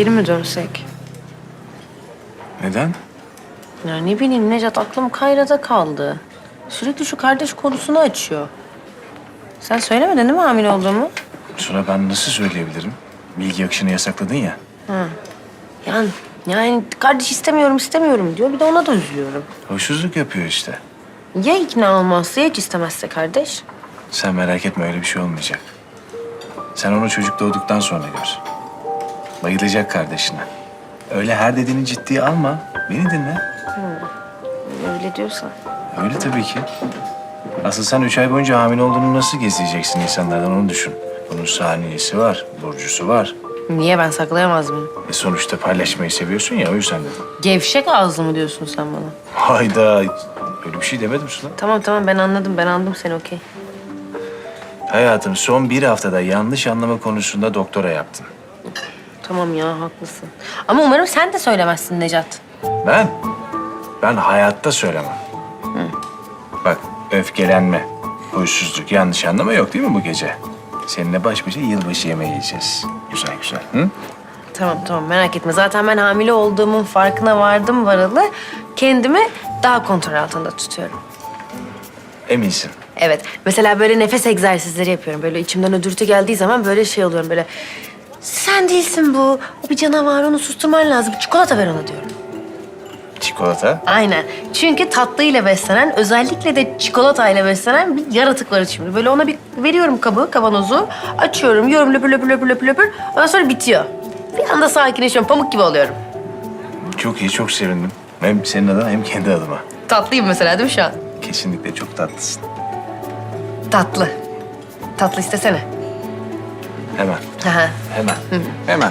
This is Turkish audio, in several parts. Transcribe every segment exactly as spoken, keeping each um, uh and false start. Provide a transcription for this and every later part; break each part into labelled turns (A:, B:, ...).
A: geri mi dönsek?
B: Neden?
A: Ya ne bileyim Necat, aklım Kayra'da kaldı. Sürekli şu kardeş konusunu açıyor. Sen söylemedin değil mi hamile olduğumu?
B: Sonra ben nasıl söyleyebilirim? Bilgi akışını yasakladın ya.
A: Ha. Yani, yani kardeş istemiyorum istemiyorum diyor. Bir de ona da üzülüyorum.
B: Hoşsuzluk yapıyor işte.
A: Ya ikna olmazsa, ya hiç istemezse kardeş?
B: Sen merak etme, öyle bir şey olmayacak. Sen onu çocuk doğduktan sonra gör. Bayılacak kardeşine. Öyle her dediğini ciddiye alma. Beni dinle.
A: Öyle diyorsan.
B: Öyle tabii ki. Asıl sen üç ay boyunca hamile olduğunu nasıl gizleyeceksin insanlardan, onu düşün. Bunun saniyesi var, burcusu var.
A: Niye, ben saklayamaz mıyım?
B: E sonuçta paylaşmayı seviyorsun ya, o yüzden dedim.
A: Gevşek ağızlı mı diyorsun sen bana?
B: Hayda, öyle bir şey demedim sana.
A: Tamam tamam, ben anladım. Ben anladım seni, okey.
B: Hayatım, son bir haftada yanlış anlama konusunda doktora yaptın.
A: Tamam ya, haklısın. Ama umarım sen de söylemezsin Necat.
B: Ben? Ben hayatta söylemem. Bak, öfkelenme, huysuzluk, yanlış anlama yok değil mi bu gece? Seninle baş başa yılbaşı yemeği yiyeceğiz. Güzel güzel. Hı?
A: Tamam tamam, merak etme. Zaten ben hamile olduğumun farkına vardım varalı. Kendimi daha kontrol altında tutuyorum.
B: Eminsin.
A: Evet. Mesela böyle nefes egzersizleri yapıyorum. Böyle içimden ödürtü geldiği zaman böyle şey oluyorum böyle. Sen değilsin bu. O bir canavar, onu susturman lazım. Çikolata ver ona diyorum.
B: Çikolata.
A: Aynen. Çünkü tatlıyla beslenen, özellikle de çikolatayla beslenen bir yaratık var içimde. Böyle ona bir veriyorum kabı, kavanozu. Açıyorum, yiyorum löpür löpür löpür löpür löpür. Ondan sonra bitiyor. Bir anda sakinleşiyorum, pamuk gibi oluyorum.
B: Çok iyi, çok sevindim. Hem senin adına hem kendi adıma.
A: Tatlıyım mesela değil mi şu an?
B: Kesinlikle çok tatlısın.
A: Tatlı. Tatlı istesene.
B: Hemen,
A: Aha.
B: hemen, hemen.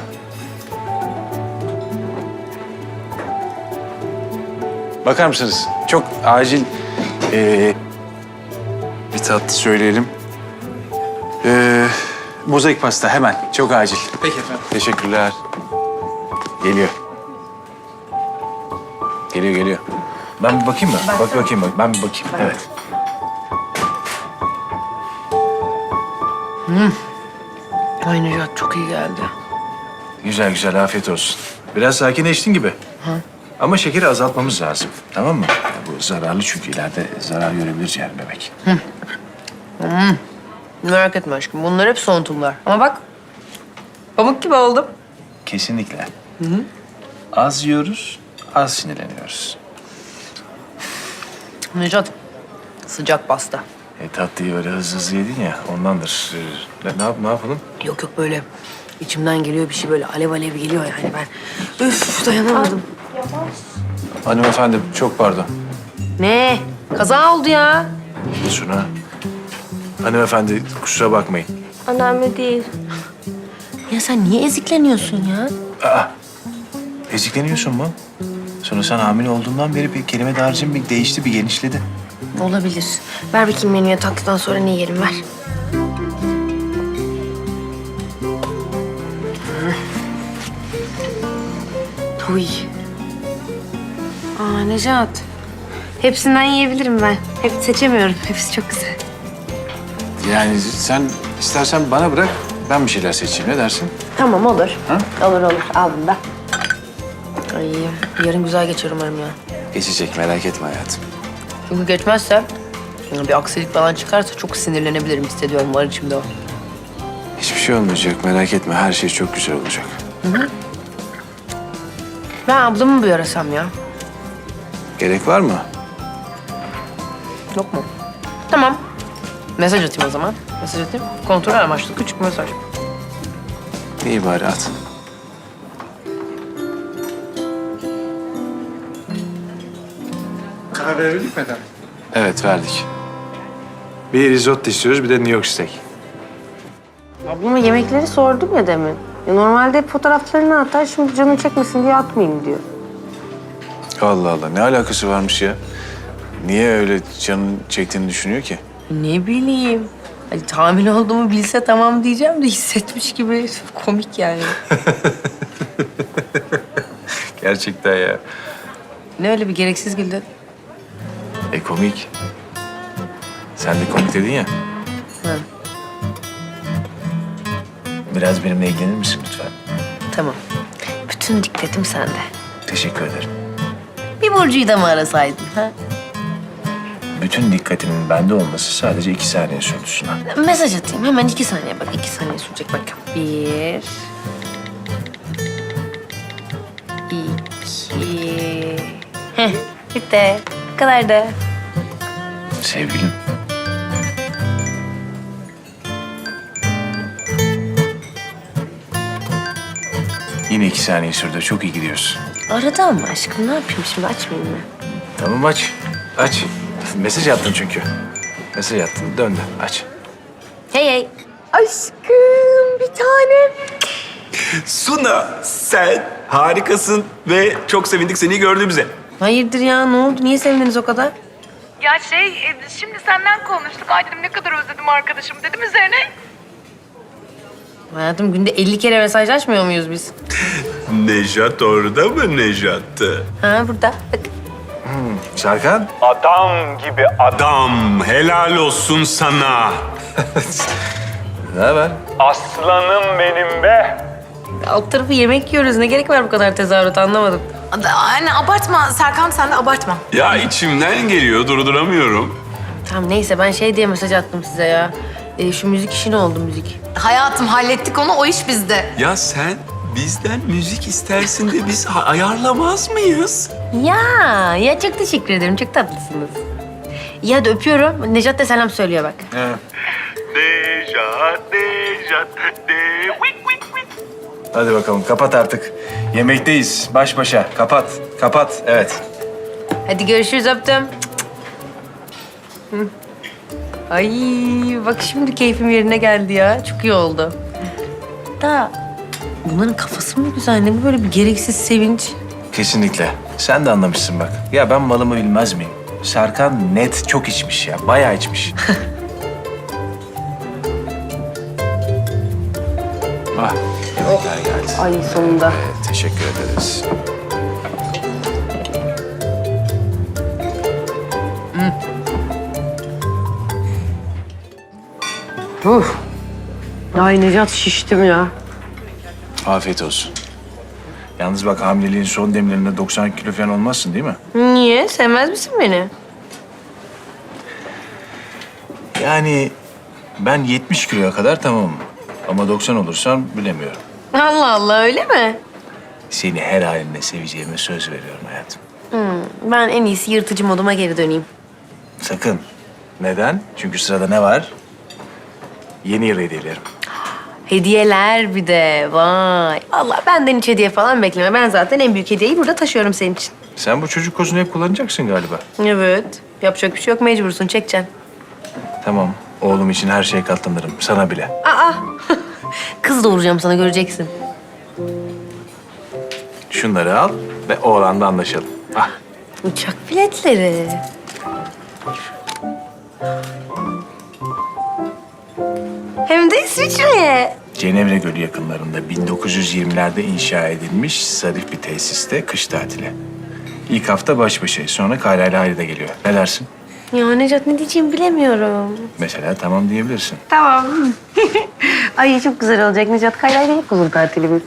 B: Bakar mısınız? Çok acil ee, bir tatlı söyleyelim. Ee, mozaik pasta hemen, çok acil. Peki efendim. Teşekkürler. Geliyor. Geliyor, geliyor. Ben bir bakayım mı? Bak bakayım, bak. Ben bir bakayım. Evet.
A: Ay Necat, çok iyi geldi.
B: Güzel güzel, afiyet olsun. Biraz sakinleştin gibi. Ama şekeri azaltmamız lazım, tamam mı? Ya bu zararlı çünkü ileride zarar görebilir ciğer bebek.
A: Merak etme aşkım, bunlar hep soğuntumlar. Ama bak, pamuk gibi oldum.
B: Kesinlikle. Az yiyoruz, az sinirleniyoruz.
A: Necat, sıcak pasta.
B: E, tatlıyı böyle hızlı hızlı yedin ya, ondandır. Ee, ne, ne, yap, ne yapalım?
A: Yok yok, böyle içimden geliyor bir şey, böyle alev alev geliyor yani ben. Üf, dayanamadım.
B: Hanımefendi, çok pardon.
A: Ne? Kaza oldu ya.
B: Suna. Hanımefendi, kusura bakmayın.
A: Önemli değil. Ya sen niye ezikleniyorsun ya?
B: Aa, ezikleniyorsun mu? Sonra sen hamile olduğundan beri bir kelime dağarcığın bir değişti, bir genişledi.
A: Olabilir. Ver bakayım menüye, tatlıdan sonra ne yiyelim, ver. Huy. Aa Necat. Hepsinden yiyebilirim ben. Hep seçemiyorum. Hepsi çok güzel.
B: Yani sen istersen bana bırak, ben bir şeyler seçeyim. Ne dersin?
A: Tamam, olur.
B: Ha?
A: Olur olur. Al bunu da. Ay, yarın güzel geçer umarım ya.
B: Geçecek, merak etme hayatım.
A: Çünkü geçmezse, bir aksilik falan çıkarsa çok sinirlenebilirim, hissediyorum, var içimde o.
B: Hiçbir şey olmayacak, merak etme. Her şey çok güzel olacak.
A: Ben ablamı mı bir arasam ya?
B: Gerek var mı?
A: Yok mu? Tamam. Mesaj atayım o zaman. Mesaj atayım. Kontrol amaçlı küçük bir mesaj.
B: İyi bari at.
C: Karar verebildik mi efendim?
B: Evet, verdik. Bir risotto istiyoruz, bir de New York steak.
A: Ablama yemekleri sordum ya demin. Ya normalde fotoğraflarını atar, şimdi canım çekmesin diye atmayayım diyor.
B: Allah Allah, ne alakası varmış ya? Niye öyle canın çektiğini düşünüyor ki?
A: Ne bileyim. Hani hamile olduğumu bilse tamam diyeceğim de hissetmiş gibi komik yani.
B: Gerçekten ya.
A: Ne öyle bir gereksiz güldün?
B: E komik. Sen de komik dedin ya.
A: Ha,
B: Biraz benimle ilgilenir misin lütfen?
A: tamam. bütün dikkatim sende.
B: Teşekkür ederim.
A: Bir Burcu'yu da mı arasaydın? Ha?
B: Bütün dikkatimin bende olması sadece iki saniye sürdü Suna.
A: Mesaj atayım. Hemen iki saniye bak. iki saniye sürecek bak. Bir. İki. Heh, bitti. Bu kadar da.
B: Sevgilim. Yine iki saniye sürdü. Çok iyi gidiyorsun.
A: Arada ama aşkım. Ne yapayım şimdi? Açmayayım mı?
B: Tamam aç. Aç. Mesaj attın çünkü. Mesaj attın. Döndü. Aç.
A: Hey hey. Aşkım bir tanem.
C: Suna, sen harikasın ve çok sevindik seni gördüğümüze.
A: Hayırdır ya? Ne oldu? Niye sevindiniz o kadar?
D: Ya şey, e, şimdi senden konuştuk. Ay dedim ne kadar özledim arkadaşım dedim üzerine.
A: Hayatım günde elli kere mesajlaşmıyor muyuz biz?
C: Nejat orada mı Nejat?
A: Ha burada. Bak.
B: Serkan.
C: Adam gibi adam. Helal olsun sana.
B: Ne haber?
C: Aslanım benim be.
A: Alt tarafı yemek yiyoruz. Ne gerek var bu kadar tezahürat anlamadım.
E: Anne abartma Serkan, sen de abartma.
C: Ya içimden geliyor, durduramıyorum.
A: Tamam neyse ben şey diye mesaj attım size ya. E, şu müzik işi ne oldu müzik?
E: Hayatım hallettik onu, o iş bizde.
C: Ya sen bizden müzik istersin de biz ha- ayarlamaz mıyız?
A: Ya, ya çok teşekkür ederim. Çok tatlısınız. İyi hadi öpüyorum. Nejat da selam söylüyor bak.
B: He.
C: Nejat, Nejat, de... Vik, vik, vik.
B: Hadi bakalım kapat artık. Yemekteyiz. Baş başa. Kapat. Kapat. Evet.
A: Hadi görüşürüz öptüm. Hı. Ay bak şimdi keyfim yerine geldi ya. Çok iyi oldu. Da bunların kafası mı güzel? Ne bu böyle bir gereksiz sevinç?
B: Kesinlikle. Sen de anlamışsın bak. Ya ben malımı bilmez miyim? Serkan net çok içmiş ya. Bayağı içmiş. ah. Yemekler geldi.
A: Ay sonunda.
B: Teşekkür ederiz.
A: Uf. Ay Nejat şiştim ya.
B: Afiyet olsun. Yalnız bak hamileliğin son demlerinde doksan kilo falan olmazsın değil mi?
A: Niye? Sevmez misin beni?
B: Yani ben yetmiş kiloya kadar tamamım. Ama doksan olursam bilemiyorum.
A: Allah Allah öyle mi?
B: Seni her halinle seveceğime söz veriyorum hayatım.
A: Ben en iyisi yırtıcı moduma geri döneyim.
B: Sakın. Neden? Çünkü sırada ne var? Yeni yıl hediyelerim.
A: Hediyeler bir de. Vay. Allah benden hiç hediye falan bekleme. Ben zaten en büyük hediyeyi burada taşıyorum senin için.
B: Sen bu çocuk kozunu hep kullanacaksın galiba.
A: Evet. Yapacak bir şey yok. Mecbursun. Çekeceksin.
B: Tamam. Oğlum için her şeye katlanırım. Sana bile.
A: Aa. Kız doğuracağım sana göreceksin.
B: Şunları al ve oğlanla anlaşalım. Ah.
A: Uçak biletleri. Hem de İsviçre'ye.
B: Cenevre Gölü yakınlarında bin dokuz yüz yirmilerde inşa edilmiş zarif bir tesiste kış tatili. İlk hafta baş başayız. Sonra Kayra ile Hayri de geliyor. Ne dersin?
A: Ya Necat ne diyeceğimi bilemiyorum.
B: Mesela tamam diyebilirsin.
A: Tamam. Ay çok güzel olacak Necat. Kayra'yla hep uzun tatilimiz.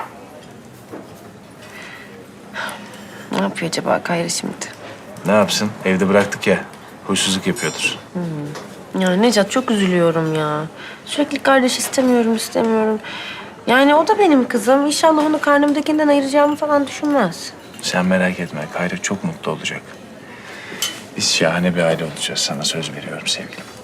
A: Ne yapıyor acaba Kayra şimdi?
B: Ne yapsın? Evde bıraktık ya. Huysuzluk yapıyordur.
A: Ya Necat çok üzülüyorum ya. Sürekli kardeş istemiyorum, istemiyorum. Yani o da benim kızım. İnşallah onu karnımdakinden ayıracağımı falan düşünmez.
B: Sen merak etme. Kayra çok mutlu olacak. Biz şahane bir aile olacağız. Sana söz veriyorum sevgilim.